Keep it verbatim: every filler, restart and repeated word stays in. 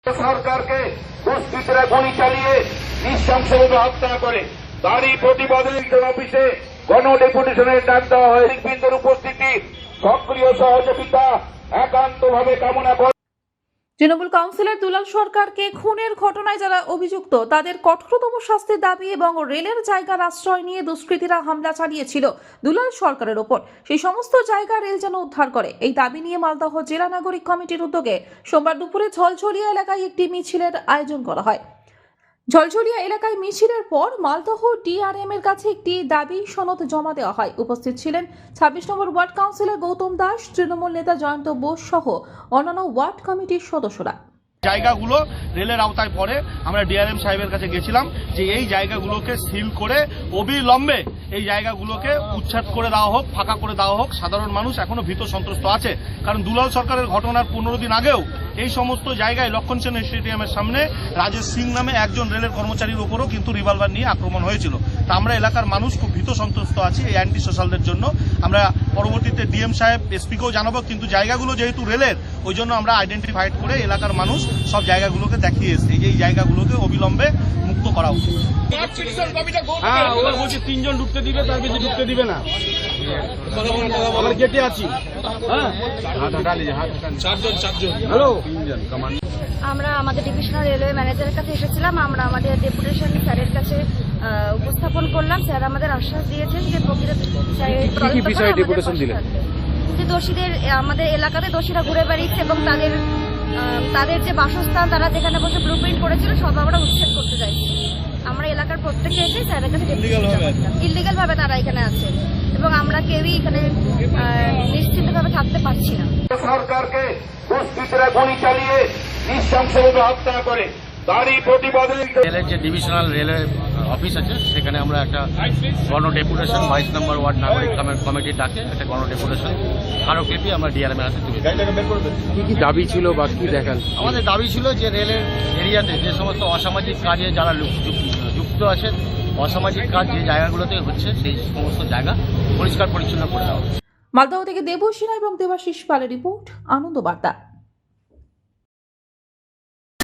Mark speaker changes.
Speaker 1: সরকারকে দুষ্কৃতীরা গুলি চালিয়ে নৃশংসভাবে হত্যা করে তারই প্রতিবাদে অফিসে গণ ডেপুটেশনের ডাক দেওয়া হয়। বিন্দুর উপস্থিতি সক্রিয় সহযোগিতা একান্তভাবে কামনা করে।
Speaker 2: তৃণমূল কাউন্সিলর দুলাল সরকারকে খুনের ঘটনায় যারা অভিযুক্ত তাদের কঠোরতম শাস্তির দাবি এবং রেলের জায়গার আশ্রয় নিয়ে দুষ্কৃতীরা হামলা চালিয়েছিল দুলাল সরকারের ওপর, সেই সমস্ত জায়গা রেল যেন উদ্ধার করে এই দাবি নিয়ে মালদহ জেলা নাগরিক কমিটির উদ্যোগে সোমবার দুপুরে ঝলঝলিয়া এলাকায় একটি মিছিলের আয়োজন করা হয়। ঝলঝলিয়া এলাকায় মিছিলের পর মালদহ ডিআরএম এর কাছে একটি দাবি সনদ জমা দেওয়া হয়। উপস্থিত ছিলেন ছাব্বিশ number ward councillor Gautam Das, Trinamool নেতা জয়ন্ত বোস সহ অন্যান্য ওয়ার্ড কমিটির সদস্যরা।
Speaker 3: জায়গাগুলো রেলের আওতায় পড়ে। আমরা ডিআরএম সাহেবের কাছে গেছিলাম যে এই জায়গাগুলোকে সিল করে অবিলম্বে এই জায়গাগুলোকে উচ্ছেদ করে দেওয়া হোক, ফাঁকা করে দেওয়া হোক। সাধারণ মানুষ এখনো ভীত সন্ত্রস্ত আছে, কারণ দুলাল সরকারের ঘটনার পনেরো দিন আগেও এই সমস্ত জায়গায় লক্ষণ সেন স্টেডিয়ামের সামনে রাজেশ সিং নামে একজন রেলের কর্মচারীর উপরও কিন্তু রিভলভার নিয়ে আক্রমণ হয়েছিল। তা আমরা এলাকার মানুষ খুব ভীত সন্ত্রস্ত আছি এই অ্যান্টি সোশ্যালদের জন্য। আমরা পরবর্তীতে ডিএম সাহেব এসপিকেও জানাবো, কিন্তু জায়গাগুলো যেহেতু রেলের ওই জন্য আমরা আইডেন্টিফাইড করে এলাকার মানুষ সব জায়গাগুলোকে দেখিয়ে এসছে যে এই জায়গাগুলোকে অবিলম্বে মুক্ত করা উচিত।
Speaker 4: হ্যাঁ, ওরা বলছে তিনজন ঢুকতে দিবে, তার বেশি ঢুকতে দিবে না। আমরা গেটে আছি। হ্যাঁ, চারজন চারজন হ্যালো তিনজন কমান্ড।
Speaker 5: আমরা আমাদের ডিভিশনাল রেলওয়ে ম্যানেজারের কাছে এসেছিলাম। আমরা আমাদের ডেপুটেশন স্যারের কাছে উপস্থাপন করলাম। স্যার আমাদের আশ্বাস দিয়েছেন যে
Speaker 4: কি বিষয়ে ডেপুটেশন দিলেন?
Speaker 5: যে দোষীদের আমাদের এলাকাতে দোষীরা ঘুরে বেড়িয়েছে এবং তাদের তাদের যে বাসস্থান, তারা যেখানে বসে ব্লুপ্রিন্ট করেছিল সব আমরা উচ্ছেদ করতে চাইছি। আমরা এলাকার প্রত্যেকে এসে স্যারের কাছে ইলিগাল ভাবে তারা এখানে আছে এবং আমরা কেউই এখানে নিশ্চিতভাবে থাকতে পারছি না।
Speaker 1: সরকারকে দুষ্কৃতীরা গুলি চালিয়ে নৃশংসভাবে হত্যা করে তারই প্রতিবাদে
Speaker 6: রেলের যে ডিভিশনাল রেলের অফিস আছে সেখানে আমরা একটা গণ ডেপুটেশন বাইশ নম্বর ওয়ার্ড নাগরিক কমিটির ডাকে একটা গণ ডেপুটেশন স্মারকলিপি আমরা ডিআরএম এর হাতে তুলে দিই।
Speaker 4: কি কি দাবি ছিল বা কি দেখান?
Speaker 6: আমাদের দাবি ছিল যে রেলের এরিয়াতে যে সমস্ত অসামাজিক কাজে যারা যুক্ত আছেন, অসামাজিক কাজ যে জায়গাগুলোতে হচ্ছে সেই সমস্ত জায়গা পরিষ্কার পরিচ্ছন্ন করে দেওয়া।
Speaker 2: মালদহ থেকে দেবসিনা এবং দেবাশিস পালের রিপোর্ট, আনন্দ বার্তা।